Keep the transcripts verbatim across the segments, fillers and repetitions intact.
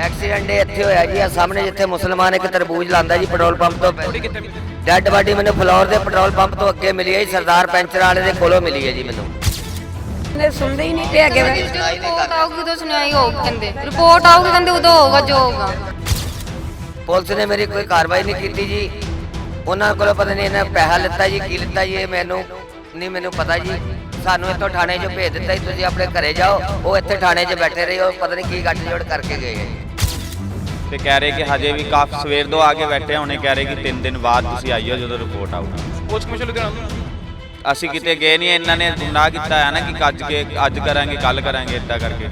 Accident ਇੱਥੇ ਹੋਇਆ ਜੀ ਆ ਸਾਹਮਣੇ ਜਿੱਥੇ ਮੁਸਲਮਾਨ ਇੱਕ ਤਰਬੂਜ ਲਾਂਦਾ ਜੀ ਪੈਟਰੋਲ ਪੰਪ ਤੋਂ ਡੈੱਡ ਬਾਡੀ ਮੈਨੂੰ ਫਲੋਰ ਦੇ ਪੈਟਰੋਲ ਪੰਪ ਤੋਂ ਅੱਗੇ ਮਿਲੀ ਹੈ ਜੀ ਸਰਦਾਰ ਪੈਂਚਰ ਵਾਲੇ ਦੇ ਕੋਲੋਂ ਮਿਲੀ ਹੈ ਜੀ ਮੈਨੂੰ ਨੇ ਸੁਣਦੇ ਹੀ ਨਹੀਂ ਤੇ ਅੱਗੇ ਰਿਪੋਰਟ ਆਊਗੀ ਉਦੋਂ ਸੁਣਾਈ ਹੋਊਗੀ ਕਹਿੰਦੇ ਰਿਪੋਰਟ ਆਊਗੀ ਕਹਿੰਦੇ ਉਦੋਂ ਹੋਊਗਾ ਜੋ ਹੋਊਗਾ। ਪੁਲਿਸ ਨੇ ਮੇਰੀ ਕੋਈ ਕਾਰਵਾਈ ਨਹੀਂ ਕੀਤੀ ਜੀ ਉਹਨਾਂ ਕੋਲੋਂ ਪਤਾ ਨਹੀਂ ਇਹਨਾਂ ਪੈਸਾ ਲਿੱਤਾ ਜੀ ਕੀ ਲਿੱਤਾ ਜੀ ਇਹ ਮੈਨੂੰ ਨਹੀਂ ਮੈਨੂੰ ਪਤਾ ਜੀ ਸਾਨੂੰ ਇੱਥੋਂ ਥਾਣੇ 'ਚੋਂ ਭੇਜ ਦਿੱਤਾ ਜੀ ਤੁਸੀਂ ਆਪਣੇ ਘਰੇ ਜਾਓ ਉਹ ਇੱਥੇ ਥਾਣੇ 'ਚ ਬੈਠੇ ਰਹੇ ਉਹ ਪਤਾ ਨਹੀਂ ਕੀ ਗੱਠ ਜੋੜ ਕਰਕੇ ਗਏ ਹੈ ਜੀ ਤੇ ਕਹਿ ਰਹੇ ਕਿ ਹਜੇ ਵੀ ਕਾਫੀ ਸਵੇਰ ਤੋਂ ਆ ਕੇ ਬੈਠੇ ਹੋਣੇ ਕਹਿ ਰਹੇ ਕਿ ਤਿੰਨ ਦਿਨ ਬਾਅਦ ਤੁਸੀਂ ਆਈਓ ਜਦੋਂ ਰਿਪੋਰਟ ਆਊਗੀ। ਪੁਲਿਸ ਕਮਿਸ਼ਨ ਲੁਧਿਆਣਾ ਅਸੀਂ ਕਿਤੇ ਗਏ ਨਹੀਂ ਇਹਨਾਂ ਨੇ ਗੁਨਾਹ ਕੀਤਾ ਹੈ ਨਾ ਕਿ ਅੱਜ ਕੇ ਅੱਜ ਕਰਾਂਗੇ ਕੱਲ ਕਰਾਂਗੇ ਇੱਦਾਂ ਕਰਕੇ।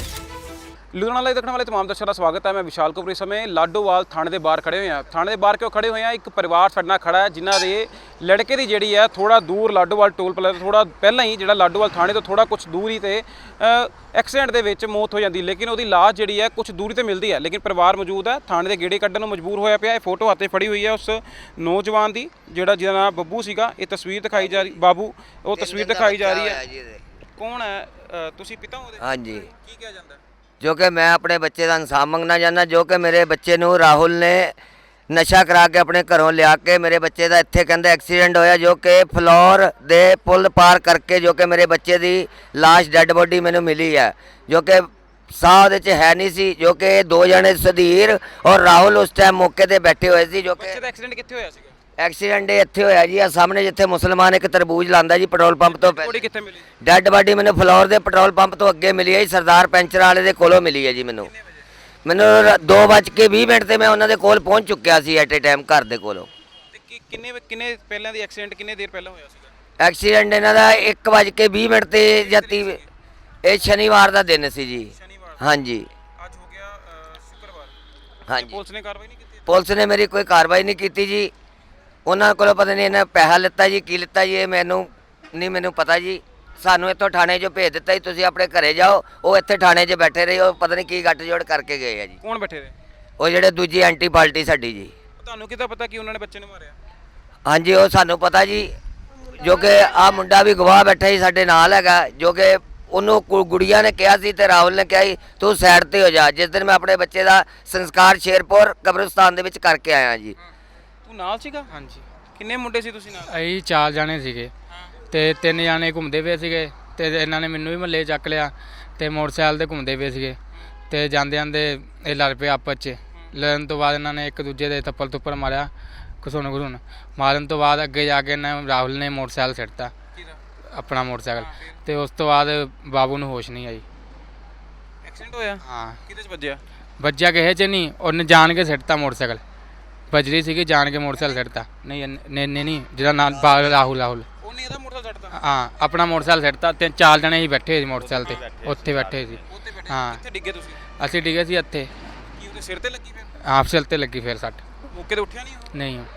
ਲੁਧਿਆਣਾ ਲਾਈਵ ਦੇਖਣ ਵਾਲੇ ਤਮਾਮ ਦਰਸ਼ਕਾਂ ਦਾ ਸਵਾਗਤ ਹੈ। ਮੈਂ ਵਿਸ਼ਾਲ ਕਪੂਰ ਇਸ ਸਮੇਂ ਲਾਡੋਵਾਲ ਥਾਣੇ ਦੇ ਬਾਹਰ ਖੜੇ ਹੋਏ ਹਾਂ। ਥਾਣੇ ਦੇ ਬਾਹਰ ਕਿਉਂ ਖੜੇ ਹੋਏ ਹਾਂ? ਇੱਕ ਪਰਿਵਾਰ ਸਾਡੇ ਨਾਲ ਖੜਾ ਹੈ ਜਿਨ੍ਹਾਂ ਦੇ ਲੜਕੇ ਦੀ ਜਿਹੜੀ ਹੈ ਥੋੜਾ ਦੂਰ ਲਾਡੋਵਾਲ ਟੋਲ ਪਲਾਜ਼ਾ ਥੋੜਾ ਪਹਿਲਾਂ ਹੀ ਜਿਹੜਾ ਲਾਡੋਵਾਲ ਥਾਣੇ ਤੋਂ ਥੋੜਾ ਕੁਝ ਦੂਰ ਹੀ ਤੇ ਐਕਸੀਡੈਂਟ ਦੇ ਵਿੱਚ ਮੌਤ ਹੋ ਜਾਂਦੀ ਲੇਕਿਨ ਉਹਦੀ ਲਾਸ਼ ਜਿਹੜੀ ਹੈ ਕੁਝ ਦੂਰੀ ਤੇ ਮਿਲਦੀ ਹੈ ਲੇਕਿਨ ਪਰਿਵਾਰ ਮੌਜੂਦ ਹੈ ਥਾਣੇ ਦੇ ਗੇੜੇ ਕੱਢਣ ਨੂੰ ਮਜਬੂਰ ਹੋਇਆ ਪਿਆ। ਇਹ ਫੋਟੋ ਹੱਥੇ ਫੜੀ ਹੋਈ ਹੈ ਉਸ ਨੌਜਵਾਨ ਦੀ ਜਿਹੜਾ ਜਿਹਦਾ ਨਾਮ ਬੱਬੂ ਸੀਗਾ। ਇਹ ਤਸਵੀਰ ਦਿਖਾਈ ਜਾ ਰਹੀ ਬਾਬੂ ਉਹ ਤਸਵੀਰ ਦਿਖਾਈ ਜਾ ਰਹੀ ਹੈ। ਕੌਣ ਹੈ ਤੁਸੀਂ ਪਿਤਾ ਉਹਦੇ? ਹਾਂਜੀ ਕੀ ਕਿਹਾ ਜਾਂਦਾ? ਜੋ ਕਿ ਮੈਂ ਆਪਣੇ ਬੱਚੇ ਦਾ ਇਨਸਾਫ ਮੰਗਣਾ ਚਾਹੁੰਦਾ ਜੋ ਕਿ ਮੇਰੇ ਬੱਚੇ ਨੂੰ ਰਾਹੁਲ ਨੇ ਨਸ਼ਾ ਕਰਾ ਕੇ ਆਪਣੇ ਘਰੋਂ ਲਿਆ ਕੇ ਮੇਰੇ ਬੱਚੇ ਦਾ ਇੱਥੇ ਕਹਿੰਦੇ ਐਕਸੀਡੈਂਟ ਹੋਇਆ ਜੋ ਕਿ ਫਲੋਰ ਦੇ ਪੁਲ ਪਾਰ ਕਰਕੇ ਜੋ ਕਿ ਮੇਰੇ ਬੱਚੇ ਦੀ ਲਾਸ਼ ਡੈੱਡ ਬੋਡੀ ਮੈਨੂੰ ਮਿਲੀ ਹੈ ਜੋ ਕਿ ਸਾਹ ਉਹਦੇ 'ਚ ਹੈ ਨਹੀਂ ਸੀ ਜੋ ਕਿ ਦੋ ਜਣੇ ਸੁਧੀਰ ਔਰ ਰਾਹੁਲ ਉਸ ਟਾਈਮ ਮੌਕੇ ਤੇ ਬੈਠੇ ਹੋਏ ਸੀ ਜੋ ਕਿ ਬੱਚੇ ਦਾ ਐਕਸੀਡੈਂਟ ਕਿੱਥੇ ਹੋਇਆ ਸੀਗਾ? ਐਕਸੀਡੈਂਟ ਇੱਥੇ ਹੋਇਆ ਜੀ ਆ ਸਾਹਮਣੇ ਜਿੱਥੇ ਮੁਸਲਮਾਨ ਇੱਕ ਤਰਬੂਜ ਲਾਂਦਾ ਜੀ ਪੈਟਰੋਲ ਪੰਪ ਤੋਂ ਬੋਡੀ ਕਿੱਥੇ ਮਿਲੀ? ਡੈੱਡ ਬਾਡੀ ਮੈਨੂੰ ਫਲੋਰ ਦੇ ਪੈਟਰੋਲ ਪੰਪ ਤੋਂ ਅੱਗੇ ਮਿਲੀ ਹੈ ਜੀ ਸਰਦਾਰ ਪੈਂਚਰ ਵਾਲੇ ਦੇ ਕੋਲੋਂ ਮਿਲੀ ਹੈ ਜੀ ਮੈਨੂੰ ਮੈਨੂੰ ਦੋ ਵੱਜ ਕੇ ਵੀਹ ਮਿੰਟ ਤੇ ਮੈਂ ਉਹਨਾਂ ਦੇ ਕੋਲ ਪਹੁੰਚ ਚੁੱਕਿਆ ਸੀ ਐਟ ਏ ਟਾਈਮ ਘਰ ਦੇ ਕੋਲੋਂ। ਤੇ ਕੀ- ਕਿੰਨੇ ਕਿੰਨੇ ਪਹਿਲਾਂ ਦੀ ਐਕਸੀਡੈਂਟ ਕਿੰਨੇ ਦੇਰ ਪਹਿਲਾਂ ਹੋਇਆ ਸੀਗਾ? ਐਕਸੀਡੈਂਟ ਇਹਨਾਂ ਦਾ ਇੱਕ ਵੱਜ ਕੇ ਵੀਹ ਮਿੰਟ ਤੇ ਜਾਂ ਤੀਹ ਇਹ ਸ਼ਨੀਵਾਰ ਦਾ ਦਿਨ ਸੀ ਜੀ। ਸ਼ਨੀਵਾਰ ਹਾਂਜੀ ਅੱਜ ਹੋ ਗਿਆ ਅ, ਸ਼ੁੱਕਰਵਾਰ। ਹਾਂਜੀ ਪੁਲਿਸ ਨੇ ਕਾਰਵਾਈ ਨਹੀਂ ਕੀਤੀ? ਪੁਲਿਸ ਨੇ ਮੇਰੀ ਕੋਈ ਕਾਰਵਾਈ ਨਹੀਂ ਕੀਤੀ ਜੀ ਉਹਨਾਂ ਕੋਲੋਂ ਪਤਾ ਨਹੀਂ ਇਹਨਾਂ ਪੈਸਾ ਲਿੱਤਾ ਜੀ ਕੀ ਲਿੱਤਾ ਜੀ ਇਹ ਮੈਨੂੰ ਨਹੀਂ ਮੈਨੂੰ ਪਤਾ ਜੀ ਸਾਨੂੰ ਇੱਥੋਂ ਥਾਣੇ 'ਚੋਂ ਭੇਜ ਦਿੱਤਾ ਜੀ ਤੁਸੀਂ ਆਪਣੇ ਘਰੇ ਜਾਓ ਉਹ ਇੱਥੇ ਥਾਣੇ 'ਚ ਬੈਠੇ ਰਹੇ ਉਹ ਪਤਾ ਨਹੀਂ ਕੀ ਗੱਠ ਜੋੜ ਕਰਕੇ ਗਏ ਆ ਜੀ ਕੌਣ ਬੈਠੇ ਰਹੇ? ਉਹ ਜਿਹੜੇ ਦੂਜੀ ਐਂਟੀ ਪਾਰਟੀ ਸਾਡੀ ਜੀ। ਤੁਹਾਨੂੰ ਕਿੱਦਾਂ ਪਤਾ ਕਿ ਉਹਨਾਂ ਨੇ ਬੱਚੇ ਨੂੰ ਮਾਰਿਆ? ਹਾਂਜੀ ਉਹ ਸਾਨੂੰ ਪਤਾ ਜੀ ਜੋ ਕਿ ਆ ਮੁੰਡਾ ਵੀ ਗਵਾਹ ਬੈਠਾ ਜੀ ਸਾਡੇ ਨਾਲ ਹੈਗਾ ਜੋ ਕਿ ਉਹਨੂੰ ਕੁ- ਗੁੜੀਆ ਨੇ ਕਿਹਾ ਸੀ ਤੇ ਰਾਹੁਲ ਨੇ ਕਿਹਾ ਸੀ ਤੂੰ ਸਾਈਡ ਤੇ ਹੋ ਜਾ ਜਿਸ ਦਿਨ ਮੈਂ ਆਪਣੇ ਬੱਚੇ ਦਾ ਸੰਸਕਾਰ ਸ਼ੇਰਪੁਰ ਕਬਰਸਤਾਨ ਦੇ ਵਿੱਚ ਕਰਕੇ ਆਇਆ ਜੀ। ਤੂੰ ਨਾਲ ਸੀਗਾ? ਹਾਂਜੀ ਕਿੰਨੇ ਮੁੰਡੇ ਸੀ ਤੁਸੀਂ ਨਾਲ? ਅਸੀਂ ਚਾਰ ਜਾਣੇ ਸੀਗੇ ਤੇ ਤਿੰਨ ਜਾਣੇ ਘੁੰਮਦੇ ਪਏ ਸੀਗੇ ਤੇ ਇਹਨਾਂ ਨੇ ਮੈਨੂੰ ਵੀ ਮੱਲੇ ਚੱਕ ਲਿਆ ਤੇ ਮੋਟਰਸਾਈਕਲ ਤੇ ਘੁੰਮਦੇ ਪਏ ਸੀਗੇ ਤੇ ਜਾਂਦੇ ਜਾਂਦੇ ਇਹ ਲੜ ਪਏ ਆਪਸ 'ਚ। ਲੜਨ ਤੋਂ ਬਾਅਦ ਇਹਨਾਂ ਨੇ ਇੱਕ ਦੂਜੇ ਦੇ ਥੱਪੜ ਥੁੱਪੜ ਮਾਰਿਆ ਘਸੁਣ ਘਸੁਣ ਮਾਰਨ ਤੋਂ ਬਾਅਦ ਅੱਗੇ ਜਾ ਕੇ ਇਹਨਾਂ ਰਾਹੁਲ ਨੇ ਮੋਟਰਸਾਈਕਲ ਸਿੱਟਤਾ ਆਪਣਾ ਮੋਟਰਸਾਈਕਲ ਤੇ ਉਸ ਤੋਂ ਬਾਅਦ ਬਾਬੂ ਨੂੰ ਹੋਸ਼ ਨਹੀਂ ਆਈ। ਐਕਸੀਡੈਂਟ ਹੋਇਆ? ਹਾਂ ਕਿਹਦੇ 'ਚ ਵੱਜਿਆ? ਵੱਜਿਆ ਕਿਸੇ 'ਚ ਨਹੀਂ ਉਹਨੇ ਜਾਣ ਕੇ ਸਿੱਟਤਾ ਮੋਟਰਸਾਈਕਲ ਬਜਰੀ ਸੀਗੀ ਜਾਣ ਕੇ ਮੋਟਰਸਾਈਕਲ ਸਿੱਟਤਾ ਨਹੀਂ ਨਹੀਂ ਨਹੀਂ ਜਿਹਦਾ ਨਾਮ ਰਾਹੁਲ ਰਾਹੁਲ ਉਹਨੇ ਇਹਦਾ ਮੋਟਰਸਾਈਕਲ ਛੱਡਤਾ? ਹਾਂ ਆਪਣਾ ਮੋਟਰਸਾਈਕਲ ਸਿੱਟਤਾ ਤਿੰਨ ਚਾਰ ਜਣੇ ਹੀ ਬੈਠੇ ਸੀ ਮੋਟਰਸਾਈਕਲ ਤੇ ਉੱਥੇ ਬੈਠੇ ਸੀ। ਉੱਥੇ ਬੈਠੇ? ਹਾਂ। ਕਿੱਥੇ ਡਿੱਗੇ ਤੁਸੀਂ? ਅਸੀਂ ਡਿੱਗੇ ਸੀ ਇੱਥੇ ਕੀ ਉਹਦੇ ਸਿਰ ਤੇ ਲੱਗੀ ਫਿਰ? ਆਪ ਸਿਰ ਤੇ ਲੱਗੀ ਫਿਰ ਸੱਟ। ਮੌਕੇ ਤੇ ਉੱਠਿਆ ਨਹੀਂ ਉਹ? ਨਹੀਂ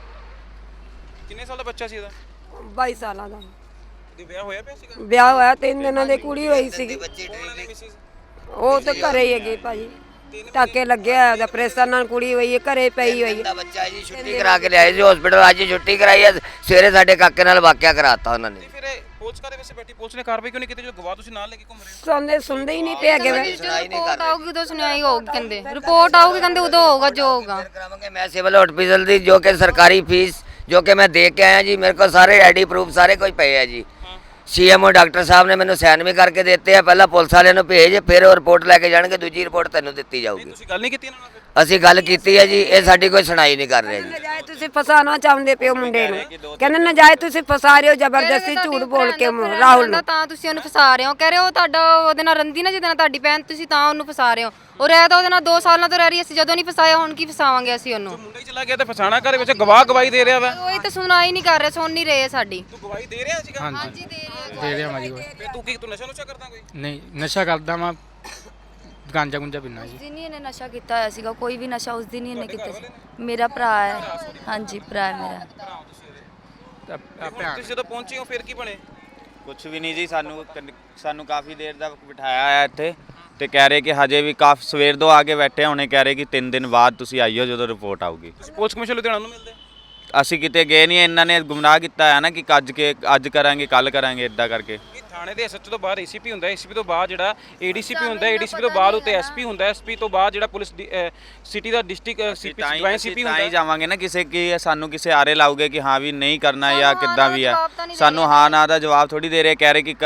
ਕਿੰਨੇ ਸਾਲ ਦਾ ਬੱਚਾ ਸੀ ਇਹਦਾ? ਬਾਈ ਸਾਲਾਂ ਦਾ ਉਹਦੇ ਵਿਆਹ ਹੋਇਆ ਪਿਆ ਸੀਗਾ? ਵਿਆਹ ਹੋਇਆ ਤਿੰਨ ਦਿਨਾਂ ਦੀ ਕੁੜੀ ਹੋਈ ਸੀਗੀ ਉਹਨਾਂ ਨੇ ਮਿਸਿਸ ਉਹ ਤਾਂ ਘਰੇ ਹੀ ਹੈਗੀ ਭਾਜੀ ਟਾਕੇ ਲੱਗਿਆ ਉਹਦਾ ਪ੍ਰੈਸ਼ਰ ਨਾਲ ਕੁੜੀ ਹੋਈ ਹੈ ਘਰੇ ਪਈ ਹੋਈ ਹੈ। ਦਾ ਬੱਚਾ ਜੀ ਛੁੱਟੀ ਕਰਾ ਕੇ ਲਿਆਏ ਸੀ ਹਸਪੀਟਲ ਅੱਜ ਛੁੱਟੀ ਕਰਾਈ ਹੈ ਸਵੇਰੇ ਸਾਡੇ ਕਾਕੇ ਨਾਲ ਵਾਕਿਆ ਕਰਾਤਾ ਉਹਨਾਂ ਨੇ। ਤੇ ਫਿਰ ਇਹ ਪੁਲਿਸ ਕਾਦੇ ਵੈਸੇ ਬੈਠੀ ਪੁਲਿਸ ਨੇ ਕਾਰਵਾਈ ਕਿਉਂ ਨਹੀਂ ਕੀਤੀ ਜਦੋਂ ਗਵਾਹ ਤੁਸੀਂ ਨਾਲ ਲੈ ਕੇ ਘੁੰਮ ਰਹੇ ਹੋ? ਸੁਣਦੇ ਸੁਣਦੇ ਹੀ ਨਹੀਂ ਤੇ ਅੱਗੇ ਰਿਪੋਰਟ ਆਊਗੀ ਉਦੋਂ ਸੁਣਾਈ ਹੋਊਗੀ ਕਹਿੰਦੇ ਰਿਪੋਰਟ ਆਊਗੀ ਕਹਿੰਦੇ ਉਦੋਂ ਹੋਊਗਾ ਜੋ ਹੋਊਗਾ। ਕਰਾਵਾਂਗੇ ਮੈਂ ਸਿਵਲ ਹਸਪੀਟਲ ਦੀ ਜੋ ਕਿ ਸਰਕਾਰੀ ਫੀਸ ਜੋ ਕਿ ਮੈਂ ਦੇ ਕੇ ਆਇਆ ਜੀ ਮੇਰੇ ਕੋਲ ਸਾਰੇ ਆਈਡੀ ਪ੍ਰੂਫ ਸਾਰੇ ਕੁਝ ਪਏ ਆ ਜੀ। ਸੀਐਮਓ ਡਾਕਟਰ ਸਾਹਿਬ ਨੇ ਮੈਨੂੰ ਸਾਈਨ ਵੀ ਕਰਕੇ ਦਿੱਤੇ ਆ ਪਹਿਲਾਂ ਪੁਲਿਸ ਵਾਲਿਆਂ ਨੂੰ ਭੇਜ ਫਿਰ ਉਹ ਰਿਪੋਰਟ ਲੈ ਕੇ ਜਾਣਗੇ ਦੂਜੀ ਰਿਪੋਰਟ ਤੈਨੂੰ ਦਿੱਤੀ ਜਾਊਗੀ। ਤੁਸੀਂ ਗੱਲ ਨਹੀਂ ਕੀਤੀ ਇਹਨਾਂ ਨਾਲ ਫਿਰ? ਅਸੀਂ ਗੱਲ ਕੀਤੀ ਹੈ ਜੀ ਇਹ ਸਾਡੀ ਕੋਈ ਸੁਣਾਈ ਨਹੀਂ ਕਰ ਰਹੇ ਜੀ। ਨਜਾਇਜ਼ ਤੁਸੀਂ ਫਸਾਣਾ ਚਾਹੁੰਦੇ ਪਿਓ ਮੁੰਡੇ ਨੂੰ ਕਹਿੰਦੇ ਨਜਾਇਜ਼ ਤੁਸੀਂ ਫਸਾ ਰਹੇ ਹੋ ਜ਼ਬਰਦਸਤੀ ਝੂਠ ਬੋਲ ਕੇ ਰਾਹੁਲ ਨੂੰ ਤਾਂ ਤੁਸੀਂ ਉਹਨੂੰ ਫਸਾ ਰਹੇ ਹੋ ਕਹਿ ਰਹੇ ਹੋ ਤੁਹਾਡਾ ਉਹਦੇ ਨਾਲ ਰੰਦੀ ਨਾ ਜਿਹਦੇ ਨਾਲ ਤੁਹਾਡੀ ਭੈਣ ਤੁਸੀਂ ਤਾਂ ਉਹਨੂੰ ਫਸਾ ਰਹੇ ਹੋ ਉਹ ਰਹਿ ਤਾਂ ਉਹਦੇ ਨਾਲ ਦੋ ਸਾਲਾਂ ਤੋਂ ਰਹਿ ਰਹੀ ਅਸੀਂ ਜਦੋਂ ਨਹੀਂ ਫਸਾਇਆ ਹੁਣ ਕੀ ਫਸਾਵਾਂਗੇ ਅਸੀਂ ਉਹਨੂੰ। ਮੁੰਡਾ ਹੀ ਚਲਾ ਗਿਆ ਤੇ ਫਸਾਣਾ ਘਰ ਵਿੱਚ ਗਵਾਹ ਗਵਾਹੀ ਦੇ ਰਿਹਾ ਵਾ। ਉਹੀ ਤਾਂ ਸੁਣਾਈ ਨਹੀਂ ਕਰ ਰਹੇ ਸੁਣ ਨਹੀਂ ਰਹੇ ਸਾਡੀ। ਤੂੰ ਗਵਾਹੀ ਦੇ ਰਿਹਾ ਸੀਗਾ? ਹਾਂਜੀ ਦੇ ਰਹੇ ਦੇ ਰਿਹਾ ਮਾਜੀ ਕੋਈ ਫਿਰ ਤੂੰ ਕੀ ਤੂੰ ਨਸ਼ਾ ਨੁਸ਼ਾ ਕਰਦਾ ਕੋਈ? ਨਹੀਂ ਨਸ਼ਾ ਕਰਦਾ ਮੈਂ ਗਾਂਜਾ ਗੁੰਜਾ ਪੀਨਾ ਜੀ। ਦਿਨ ਹੀ ਇਹਨੇ ਨਸ਼ਾ ਕੀਤਾ ਹੋਇਆ ਸੀਗਾ ਕੋਈ ਵੀ ਨਸ਼ਾ ਉਸ ਦਿਨ ਹੀ ਇਹਨੇ ਕੀਤਾ ਸੀ। ਮੇਰਾ ਭਰਾ ਹੈ ਹਾਂਜੀ ਭਰਾ ਹੈ ਮੇਰਾ। ਤਾਂ ਹੁਣ ਆਪੇ ਤੁਸੀਂ ਜਦੋਂ ਪਹੁੰਚੇ ਹੋ ਫਿਰ ਕੀ ਬਣੇ? ਕੁਛ ਵੀ ਨਹੀਂ ਜੀ ਸਾਨੂੰ ਸਾਨੂੰ ਕਾਫੀ ਦੇਰ ਦਾ ਬਿਠਾਇਆ ਹੋਇਆ ਇੱਥੇ ਤੇ ਕਹਿ ਰਹੇ ਕਿ ਹਜੇ ਵੀ ਕਾਫੀ ਸਵੇਰ ਤੋਂ ਆ ਕੇ ਬੈਠੇ ਹੋਣੇ ਕਹਿ ਰਹੇ ਕਿ ਤਿੰਨ ਦਿਨ ਬਾਅਦ ਤੁਸੀਂ ਆਈਓ ਜਦੋਂ ਰਿਪੋਰਟ ਆਊਗੀ। ਤੁਸੀਂ ਪੁਲਿਸ ਕਮਿਸ਼ਨ ਲੁਧਿਆਣਾ ਨੂੰ ਮਿਲਦੇ? ਅਸੀਂ ਕਿਤੇ ਗਏ ਨਹੀਂ, ਇਹਨਾਂ ਨੇ ਗੁੰਮਰਾਹ ਕੀਤਾ ਹੈ ਨਾ ਕਿ ਅੱਜ ਕੇ ਅੱਜ ਕਰਾਂਗੇ ਕੱਲ ਕਰਾਂਗੇ ਇਦਾਂ ਕਰਕੇ। ਇਹ ਥਾਣੇ ਦੇ ਐਸਐਚਓ ਤੋਂ ਬਾਅਦ ਏਸੀਪੀ ਹੁੰਦਾ, ਏਸੀਪੀ ਤੋਂ ਬਾਅਦ ਜਿਹੜਾ ਏਡੀਸੀਪੀ ਹੁੰਦਾ, ਏਡੀਸੀਪੀ ਤੋਂ ਬਾਅਦ ਉੱਤੇ ਐਸਪੀ ਹੁੰਦਾ, ਐਸਪੀ ਤੋਂ ਬਾਅਦ ਜਿਹੜਾ ਪੁਲਿਸ ਸਿਟੀ ਦਾ ਡਿਸਟ੍ਰਿਕਟ ਸੀਪੀ ਤਾਂ ਹੀ ਜੁਆਇੰਟ ਅਸੀਂ ਸੀਪੀ ਤਾਂ ਹੁੰਦਾ। ਹੀ ਜਾਵਾਂਗੇ ਨਾ ਕਿਸੇ ਕੀ ਸਾਨੂੰ ਕਿਸੇ ਆਰੇ ਲਾਉਗੇ ਕਿ ਹਾਂ ਵੀ ਨਹੀਂ ਕਰਨਾ ਜਾਂ ਸਾਨੂੰ ਕਿੱਦਾਂ ਹਾਂ ਵੀ ਦਾ ਆ। ਜਵਾਬ ਤਾਂ ਨਹੀਂ ਦੇ ਸਾਨੂੰ ਹਾਂ ਨਾ ਦਾ ਜਵਾਬ ਥੋੜੀ ਦੇ ਰਹੇ, ਕਹਿ ਰਹੇ ਕਿ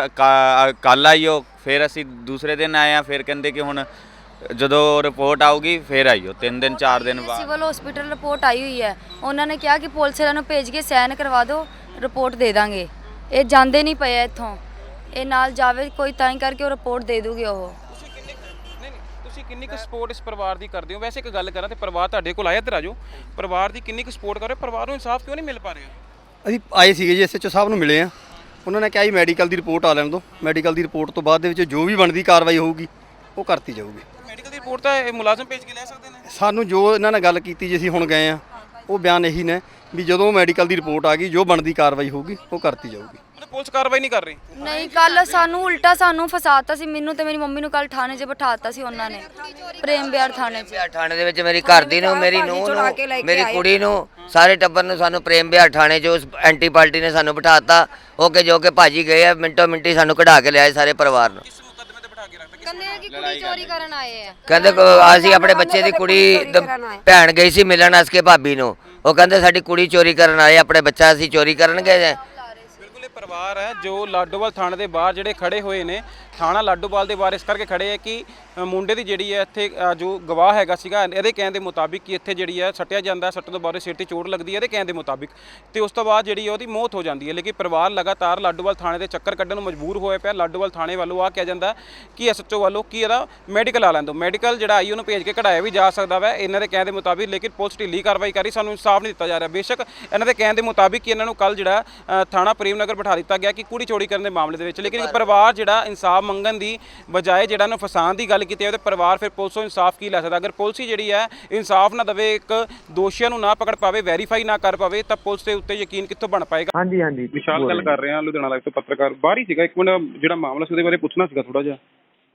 ਕੱਲ ਆਈਓ, ਫਿਰ ਅਸੀਂ ਦੂਸਰੇ ਦਿਨ ਆਏ ਆ, ਫਿਰ ਕਹਿੰਦੇ ਕਿ ਹੁਣ ਜਦੋਂ ਰਿਪੋਰਟ ਆਊਗੀ ਫਿਰ ਆਈਓ, ਤਿੰਨ ਦਿਨ ਚਾਰ ਦਿਨ ਬਾਅਦ। ਸਿਵਲ ਹਸਪੀਟਲ ਰਿਪੋਰਟ ਆਈ ਹੋਈ ਹੈ, ਉਹਨਾਂ ਨੇ ਕਿਹਾ ਕਿ ਪੁਲਿਸ ਵਾਲਿਆਂ ਨੂੰ ਭੇਜ ਕੇ ਸਾਈਨ ਕਰਵਾ ਦਿਓ, ਰਿਪੋਰਟ ਦੇ ਦਾਂਗੇ। ਇਹ ਜਾਂਦੇ ਨਹੀਂ ਪਏ ਇੱਥੋਂ, ਇਹ ਨਾਲ ਜਾਵੇ ਕੋਈ ਤਾਂ ਹੀ ਕਰਕੇ ਉਹ ਰਿਪੋਰਟ ਦੇ ਦੂਗੇ ਉਹ। ਤੁਸੀਂ ਕਿੰਨੀ ਨਹੀਂ ਨਹੀਂ ਤੁਸੀਂ ਕਿੰਨੀ ਕੁ ਸਪੋਰਟ ਇਸ ਪਰਿਵਾਰ ਦੀ ਕਰਦੇ ਹੋ? ਵੈਸੇ ਇੱਕ ਗੱਲ ਕਰਾਂ ਤੇ ਪਰਿਵਾਰ ਤੁਹਾਡੇ ਕੋਲ ਆਇਆ, ਇੱਧਰ ਆ ਜਾਓ। ਪਰਿਵਾਰ ਦੀ ਕਿੰਨੀ ਕੁ ਸਪੋਰਟ ਕਰ ਰਹੇ ਹੋ? ਪਰਿਵਾਰ ਨੂੰ ਇਨਸਾਫ ਕਿਉਂ ਨਹੀਂ ਮਿਲ ਪਾ ਰਿਹਾ? ਅਸੀਂ ਆਏ ਸੀਗੇ ਜੀ ਐਸਐਚਓ ਸਾਹਿਬ ਨੂੰ ਮਿਲੇ ਆ, ਉਹਨਾਂ ਨੇ ਕਿਹਾ ਜੀ ਮੈਡੀਕਲ ਦੀ ਰਿਪੋਰਟ ਆ ਲੈਣ ਦਿਓ, ਮੈਡੀਕਲ ਦੀ ਰਿਪੋਰਟ ਤੋਂ ਬਾਅਦ ਦੇ ਵਿੱਚ ਜੋ ਵੀ ਬਣਦੀ ਕਾਰਵਾਈ ਹੋਊਗੀ ਉਹ ਕਰਤੀ ਜਾਊਗੀ। ਮੈਡੀਕਲ ਦੀ ਰਿਪੋਰਟ ਤਾਂ ਇਹ ਮੁਲਾਜ਼ਮ ਭੇਜ ਕੇ ਲੈ ਸਕਦੇ ਨੇ। ਸਾਨੂੰ ਜੋ ਇਹਨਾਂ ਨਾਲ ਗੱਲ ਕੀਤੀ ਜੀ ਅਸੀਂ ਹੁਣ ਗਏ ਆ, ਉਹ ਬਿਆਨ ਇਹੀ ਨੇ ਵੀ ਜਦੋਂ ਮੈਡੀਕਲ ਦੀ ਰਿਪੋਰਟ ਆ ਗਈ ਜੋ ਬਣਦੀ ਕਾਰਵਾਈ ਹੋਊਗੀ ਉਹ ਕਰਤੀ ਜਾਊਗੀ। ਮਤਲਬ ਪੁਲਿਸ ਕਾਰਵਾਈ ਨਹੀਂ ਕਰ ਰਹੀ। ਨਹੀਂ, ਕੱਲ ਸਾਨੂੰ ਉਲਟਾ ਸਾਨੂੰ ਫਸਾਤਾ ਸੀ, ਮੈਨੂੰ ਤੇ ਮੇਰੀ ਮੰਮੀ ਨੂੰ ਕੱਲ ਥਾਣੇ 'ਚ ਬਿਠਾਤਾ ਸੀ ਉਹਨਾਂ ਨੇ, ਪ੍ਰੇਮ ਵਿਹਾਰ ਥਾਣੇ 'ਚ। ਬਿਹਾਰ ਥਾਣੇ ਦੇ ਵਿੱਚ ਮੇਰੀ ਘਰ ਦੀ ਨੂੰ, ਮੇਰੀ ਨੂੰਹ ਚੁਰਾ ਕੇ ਲੈ ਨੂੰ, ਕੇ ਮੇਰੀ ਆਏ। ਕੁੜੀ ਨੂੰ, ਸਾਰੇ ਟੱਬਰ ਨੂੰ ਸਾਨੂੰ ਪ੍ਰੇਮ ਬਿਹਾਰ ਥਾਣੇ 'ਚ ਉਸ ਐਂਟੀ ਪਾਰਟੀ ਨੇ ਸਾਨੂੰ ਬਿਠਾਤਾ। ਉਹ ਕਿ ਜੋ ਕਿ ਭਾਜੀ ਗਏ ਆ, ਮਿੰਟੋ ਮਿੰਟੀ ਸਾਨੂੰ ਕਢਾ ਕੇ ਲਿਆਏ ਸਾਰੇ ਪਰਿਵਾਰ ਨੂੰ। ਇਸ ਮੁਕੱਦਮੇ ਤੇ ਬਿਠਾ ਕੇ ਰੱਖਦੇ। ਕਹਿੰਦੇ ਆ ਕਿ ਕੁੜੀ ਚੋਰੀ ਕਰਨ ਆਏ ਆ। ਕਹਿੰਦੇ ਕੋ- ਅਸੀਂ ਆਪਣੇ ਬੱਚੇ ਦੀ ਕੁੜੀ ਦ- ਭੈਣ ਗਈ ਸੀ ਮਿਲਣ ਅਸਕੇ ਭਾਬੀ ਨੂੰ, ਉਹ ਕਹਿੰਦੇ ਸਾਡੀ ਕੁੜੀ ਚੋਰੀ ਕਰਨ ਆਏ, ਆਪਣੇ ਬੱਚਾ ਅਸੀਂ ਚੋਰੀ ਕਰਨ ਗਏ। ਬਿਲਕੁਲ ਇਹ ਪਰਿਵਾਰ ਹੈ ਜੋ ਲਾਡੋਵਾਲ ਥਾਣੇ ਦੇ ਬਾਹਰ ਜਿਹੜੇ ਖੜੇ ਹੋਏ ਨੇ। ਥਾਣਾ ਲਾਡੋਵਾਲ ਦੇ ਬਾਹਰ ਇਸ ਕਰਕੇ ਖੜੇ ਹੈ ਕਿ ਅ, ਮੁੰਡੇ ਦੀ ਜਿਹੜੀ ਹੈ ਇੱਥੇ ਅ, ਜੋ ਗਵਾਹ ਹੈਗਾ ਸੀਗਾ, ਇਹਦੇ ਕਹਿਣ ਦੇ ਮੁਤਾਬਿਕ ਕਿ ਇੱਥੇ ਜਿਹੜੀ ਹੈ ਸੱਟਿਆ ਜਾਂਦਾ, ਸੱਟਣ ਤੋਂ ਬਾਅਦ ਸਿਰ ਤੇ ਚੋਟ ਲੱਗਦੀ ਹੈ ਇਹਦੇ ਕਹਿਣ ਦੇ ਮੁਤਾਬਿਕ, ਤੇ ਉਸ ਤੋਂ ਬਾਅਦ ਜਿਹੜੀ ਉਹਦੀ ਮੌਤ ਹੋ ਜਾਂਦੀ ਹੈ। ਲੇਕਿਨ ਪਰਿਵਾਰ ਲਗਾਤਾਰ ਲਾਡੋਵਾਲ ਥਾਣੇ ਦੇ ਚੱਕਰ ਕੱਢਣ ਨੂੰ ਮਜਬੂਰ ਹੋਇਆ ਪਿਆ। ਲਾਡੋਵਾਲ ਥਾਣੇ ਵੱਲੋਂ ਆ ਕਿਹਾ ਜਾਂਦਾ ਕਿ ਐਸਐਚਓ ਵੱਲੋਂ ਕਿ ਇਹਦਾ ਮੈਡੀਕਲ ਆ ਲੈਣ ਦਿਓ, ਮੈਡੀਕਲ ਜਿਹੜਾ ਆਈ ਉਹਨੂੰ ਭੇਜ ਕੇ ਕਢਾਇਆ ਵੀ ਜਾ ਸਕਦਾ ਵਾ ਇਹਨਾਂ ਦੇ ਕਹਿਣ ਦੇ ਮੁਤਾਬਿਕ। ਲੇਕਿਨ ਪੁਲਿਸ ਢਿੱਲੀ ਕਾਰਵਾਈ ਕਰ ਰਹੀ, ਸਾਨੂੰ ਇਨਸਾਫ ਨਹੀਂ ਦਿੱਤਾ ਜਾ ਰਿਹਾ। ਬੇਸ਼ੱਕ ਇਹਨਾਂ ਦੇ ਕਹਿਣ ਦੇ ਮੁਤਾਬਿਕ ਕਿ ਇਹਨਾਂ ਨੂੰ ਕੱਲ ਜਿਹੜਾ ਅ, ਥਾਣਾ ਪ੍ਰੇਮ ਨਗਰ ਬਿਠਾ ਦਿੱਤਾ ਗਿਆ ਕਿ ਕੁੜੀ ਚੋਰੀ ਕਰਨ ਦੇ ਮਾਮਲੇ ਦੇ ਵਿੱਚ, ਲੇਕਿਨ ਪਰਿਵਾਰ ਜਿਹੜਾ ਇਨਸਾਫ ਮੰਗਣ ਦੀ ਬਜਾਏ ਜਿਹੜਾ ਨੂੰ ਫਸਾਉਣ ਦੀ ਗੱਲ ਕੀਤੀ ਹੈ ਤੇ ਪਰਿਵਾਰ ਫਿਰ ਪੁਲਿਸ ਤੋਂ ਇਨਸਾਫ ਕੀ ਲੈ ਸਕਦਾ? ਅਗਰ ਪੁਲਿਸ ਹੀ ਜਿਹੜੀ ਹੈ ਇਨਸਾਫ ਨਾ ਦੇਵੇ, ਇੱਕ ਦੋਸ਼ੀਆਂ ਨੂੰ ਨਾ ਪਕੜ ਪਾਵੇ, ਵੈਰੀਫਾਈ ਨਾ ਕਰ ਪਾਵੇ, ਤਾਂ ਪੁਲਿਸ ਦੇ ਉੱਤੇ ਯਕੀਨ ਕਿੱਥੋਂ ਬਣ ਪਾਏਗਾ? ਹਾਂਜੀ ਹਾਂਜੀ ਵਿਸ਼ਾਲ ਗੱਲ ਕਰ ਰਹੇ ਹਾਂ, ਲੁਧਿਆਣਾ ਲਾਈਵ ਤੋਂ ਪੱਤਰਕਾਰ। ਬਾਹਰ ਹੀ ਸੀਗਾ, ਇੱਕ ਮਿੰਟ ਜਿਹੜਾ ਮਾਮਲਾ ਸੀ ਉਹਦੇ ਬਾਰੇ ਪੁੱਛਣਾ ਸੀਗਾ ਥੋੜਾ ਜਿਹਾ।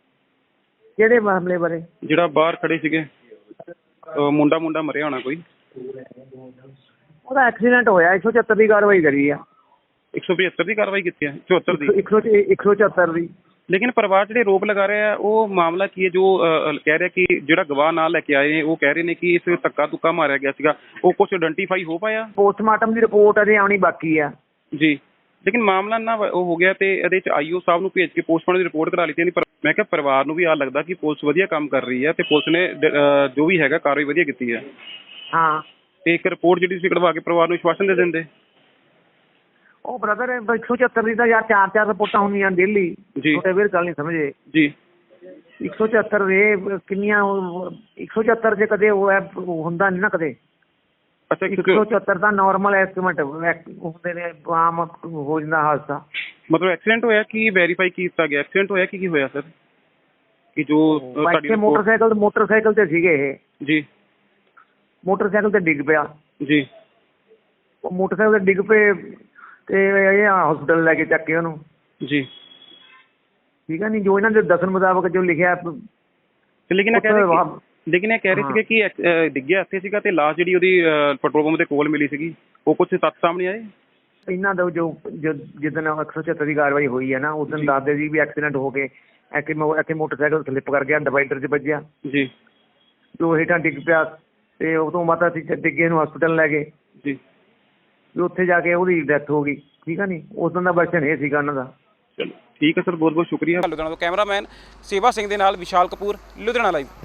ਕਿਹੜੇ ਮਾਮਲੇ ਬਾਰੇ? ਜਿਹੜਾ ਬਾਹਰ ਖੜੇ ਸੀਗੇ, ਅਹ ਮੁੰਡਾ ਮੁੰਡਾ ਮਰਿਆ ਹੋਣਾ ਕੋਈ। ਉਹਦਾ ਐਕਸੀਡੈਂਟ ਹੋਇਆ, ਇੱਕ ਸੌ ਚੁਹੱਤਰ ਦੀ ਕਾਰਵਾਈ ਕਰੀ ਆ। ਇੱਕ ਸੌ ਪਝੱਤਰ ਦੀ ਕਾਰਵਾਈ ਕੀਤੀ ਹੈ, ਚੁਹੱਤਰ ਦੀ। ਇੱਕ ਸੌ ਇੱਕ ਸੌ ਚੁਹੱਤਰ ਦੀ। ਲੇਕਿਨ ਪਰਿਵਾਰ ਜਿਹੜੇ ਆਰੋਪ ਲਗਾ ਰਹੇ ਆ ਉਹ ਮਾਮਲਾ ਕੀ ਹੈ? ਜੋ ਅਹ, ਕਹਿ ਰਿਹਾ ਕਿ ਜਿਹੜਾ ਗਵਾਹ ਨਾਲ ਲੈ ਕੇ ਆਏ ਨੇ ਉਹ ਕਹਿ ਰਹੇ ਨੇ ਕਿ ਇਸ ਧੱਕਾ ਤੁੱਕਾ ਮਾਰਿਆ ਗਿਆ ਸੀਗਾ, ਉਹ ਕੁਝ ਆਇਡੈਂਟੀਫਾਈ ਹੋ ਪਾਇਆ? ਪੋਸਟਮਾਰਟਮ ਦੀ ਰਿਪੋਰਟ ਅਜੇ ਆਉਣੀ ਬਾਕੀ ਆ ਜੀ, ਲੇਕਿਨ ਮਾਮਲਾ ਨਾ ਉਹ ਹੋ ਗਿਆ ਤੇ ਇਹਦੇ ਚ ਆਈਓ ਸਾਹਿਬ ਨੂੰ ਭੇਜ ਕੇ ਪੋਸਟਮਾਰਟਮ ਦੀ ਰਿਪੋਰਟ ਕਰਾ ਲਈ ਤੇ ਪਰ ਮੈਂ ਕਿਹਾ ਪਰਿਵਾਰ ਨੂੰ ਵੀ ਆ ਲੱਗਦਾ ਕਿ ਪੁਲਿਸ ਵਧੀਆ ਕੰਮ ਕਰ ਰਹੀ ਹੈ ਤੇ ਪੁਲਿਸ ਨੇ ਅਹ, ਜੋ ਵੀ ਹੈਗਾ ਕਾਰਵਾਈ ਵਧੀਆ ਕੀਤੀ ਹੈ। ਹਾਂ, ਤੇ ਇੱਕ ਰਿਪੋਰਟ ਜਿਹੜੀ ਤੁਸੀਂ ਕਢਵਾ ਕੇ ਪਰਿਵਾਰ ਨੂੰ ਵਿਸ਼ਵਾਸਨ ਦੇ ਦਿੰਦੇ। ਉਹ ਬ੍ਰਦਰ ਇੱਕ ਸੌ ਚੁਹੱਤਰ ਦੀ ਤਾਂ ਯਾਰ ਚਾਰ ਚਾਰ ਰਿਪੋਰਟਾਂ ਹੁੰਦੀਆਂ ਡੇਲੀ। ਜੀ। ਛੋਟੇ ਵੀਰ ਗੱਲ ਨਹੀਂ ਸਮਝੇ ਜੀ। ਇੱਕ ਸੌ ਚੁਹੱਤਰ ਦੇ ਕਿੰਨੀਆਂ ਇੱਕ ਸੌ ਚੁਹੱਤਰ ਚ ਕਦੇ ਉਹ ਹੈ ਹੁੰਦਾ ਨਹੀਂ ਨਾ ਕਦੇ। ਅੱਛਾ, ਇੱਕ ਸੌ ਚੁਹੱਤਰ ਦਾ ਨਾਰਮਲ ਐਸਟੀਮੇਟ ਹੁੰਦੇ ਨੇ, ਆਮ ਹੋ ਜਾਂਦਾ ਹਾਦਸਾ। ਮਤਲਬ ਐਕਸੀਡੈਂਟ ਹੋਇਆ ਕਿ ਵੈਰੀਫਾਈ ਕੀਤਾ ਗਿਆ? ਐਕਸੀਡੈਂਟ ਹੋਇਆ ਕਿ ਕੀ ਹੋਇਆ ਸਰ? ਕਿ ਜੋ ਤੁਹਾਡੀ ਬਾਈਕ ਮੋਟਰਸਾਈਕਲ ਮੋਟਰਸਾਈਕਲ ਤੇ ਸੀਗੇ ਇਹ। ਜੀ। ਮੋਟਰਸਾਈਕਲ ਤੇ ਡਿੱਗ ਪਿਆ। ਜੀ। ਉਹ ਮੋਟਰਸਾਈਕਲ ਤੇ ਡਿੱਗ ਪਏ ਤੇ ਇਹ ਹਸਪੀਟਲ ਲੈ ਕੇ ਚੱਕ ਕੇ ਉਹਨੂੰ। ਜੀ। ਠੀਕ ਹੈ ਨਹੀਂ, ਜੋ ਇਹਨਾਂ ਦੇ ਦੱਸਣ ਮੁਤਾਬਕ ਜੋ ਲਿਖਿਆ। ਲੇਕਿਨ ਇਹ ਕਹਿ ਰਹੇ ਕਿ ਲੇਕਿਨ ਇਹ ਕਹਿ ਰਹੇ ਸੀਗੇ ਕਿ ਅਹ, ਡਿੱਗਿਆ ਇੱਥੇ ਸੀਗਾ ਤੇ ਲਾਸ਼ ਜਿਹੜੀ ਉਹਦੀ ਅਹ, ਪੈਟਰੋਲ ਪੰਪ ਦੇ ਕੋਲ ਮਿਲੀ ਸੀਗੀ, ਉਹ ਕੁਝ ਤੱਥ ਸਾਹਮਣੇ ਆਏ? ਇਹਨਾਂ ਦਾ ਜੋ ਜਿੱਦਣ ਇੱਕ ਸੌ ਛਿਹੱਤਰ ਦੀ ਕਾਰਵਾਈ ਹੋਈ ਹੈ ਨਾ, ਉਸ ਦਿਨ ਦੱਸਦੇ ਸੀ ਵੀ ਐਕਸੀਡੈਂਟ ਹੋ ਕੇ ਐਕੇ ਐਕੇ ਮੋਟਰਸਾਈਕਲ ਸਲਿੱਪ ਕਰ ਗਿਆ, ਡਿਵਾਈਡਰ 'ਚ ਵੱਜਿਆ। ਜੀ। ਜੋ ਹੇਠਾਂ ਡਿੱਗ ਪਿਆ ਤੇ ਉਹ ਤੋਂ ਬਾਅਦ ਅਸੀਂ ਡਿੱਗੇ ਨੂੰ ਹਸਪੀਟਲ ਲੈ ਗਏ। ਜੀ। ਵੀ ਉੱਥੇ ਜਾ ਕੇ ਉਹਦੀ ਡੈਥ ਹੋ ਗਈ। ਠੀਕ ਆ ਨਹੀਂ, ਉਸ ਦਿਨ ਦਾ ਵਰਸ਼ਨ ਇਹ ਸੀਗਾ ਉਹਨਾਂ ਦਾ। ਚਲੋ ਠੀਕ ਹੈ ਸਰ, ਬਹੁਤ ਬਹੁਤ ਸ਼ੁਕਰੀਆ। ਲੁਧਿਆਣਾ ਤੋਂ ਕੈਮਰਾਮੈਨ ਸੇਵਾ ਸਿੰਘ ਦੇ ਨਾਲ ਵਿਸ਼ਾਲ ਕਪੂਰ, ਲੁਧਿਆਣਾ ਲਾਈਵ।